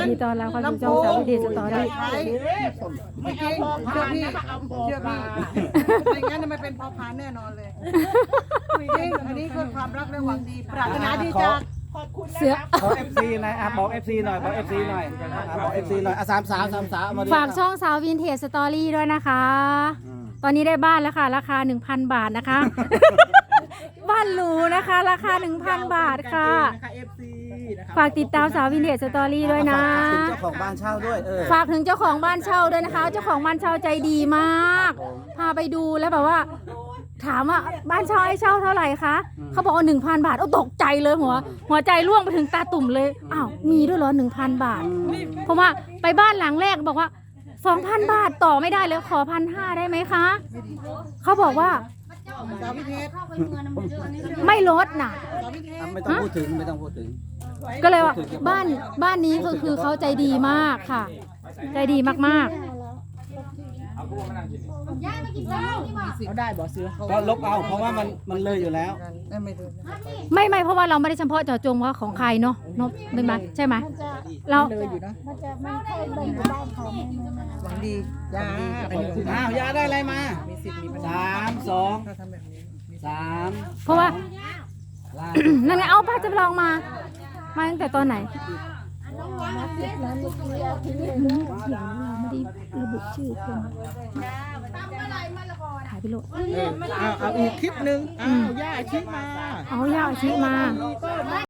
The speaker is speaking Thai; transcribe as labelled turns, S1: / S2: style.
S1: ดีต้อนรับเข้าสู่ช่องสาววินเทจสตอรี่
S2: ไม่จริงเชื่อพี่เชื่อพี่ไม่งั้นมันเป็นพอพานแน่นอนเลยจริงอันนี้คือความรักและหวังดีปรารถนาดีจาก
S1: เสือ
S3: ขอ FC นะบอก FC หน่อยบอก FC หน่อยบอก FC หน่อยสามสาวมาดิ
S1: ฝากช่องสาววินเทจสตอรี่ด้วยนะคะ ตอนนี้ได้บ้านแล้วค่ะราคา 1,000 บาทนะคะ บ้านหรูนะคะราคา 1,000 บาทค่ะ ฝากติดตามสาววินเทจสตอรี่ด้วยนะ
S3: เจ้าของบ้านเช่าด้วย
S1: ฝากถึงเจ้าของบ้านเช่าด้วยนะคะ เจ้าของบ้านเช่าใจดีมาก พาไปดูแล้วแบบว่า ถามว่าบ้านเช่าให้เช่าเท่าไหร่คะเขาบอกว่า 1,000 บาทโอ้ตกใจเลยหัวใจร่วงไปถึงตาตุ่มเลยอ้าวมีด้วยเหรอ 1,000 บาทเพราะว่าไปบ้านหลังแรกบอกว่า 2,000 บาทต่อไม่ได้เลยขอ 1,500 ได้ไหมคะเขาบอกว่า
S2: สาวพิเทศ
S1: ไม่ลดน่ะ
S2: สาวพิเทศ
S3: ไม่ต้องพูดถึงไม่ต้องพูดถึง
S1: ก็เลยว่าบ้านนี้ก็คือเขาใจดีมากค่ะ ใจดีมาก
S2: เขาได้บ่เสือเขา
S3: ก็ลบเอาเพราะว่ามันเลยอยู่แล้ว
S2: ไม่ดู
S1: ๆไม่เพราะว่าเราไม่ได้เฉพาะเจาะจงว่าของใครเนาะเนาะเป็นไหมใช่ไหมเรา
S2: เลยอยู่นะ
S4: มันจะไม่ค่อยเลยอยู่บ้านเขาไม่
S2: หวังดียาอันนี้คือ
S3: อ้าวยาได้อะไรมา
S2: มีสิทธิ์มีปัญญา
S3: 3
S2: ถ้าทำแบบนี้
S3: 2 3
S1: เพราะว่า
S3: ลา
S1: นั่นไงเอาป้าจะลองมาตั้งแต่ตอนไหน
S4: มาติดนั้นเมื่อกี้อาทิตย์นึง
S1: ไม่ได้ระบุชื่อคนถ่ายไปโหลด
S2: เอาอีกคลิปหนึ่งเอาย่าคลิปมา
S1: เอาย่าอาชีมา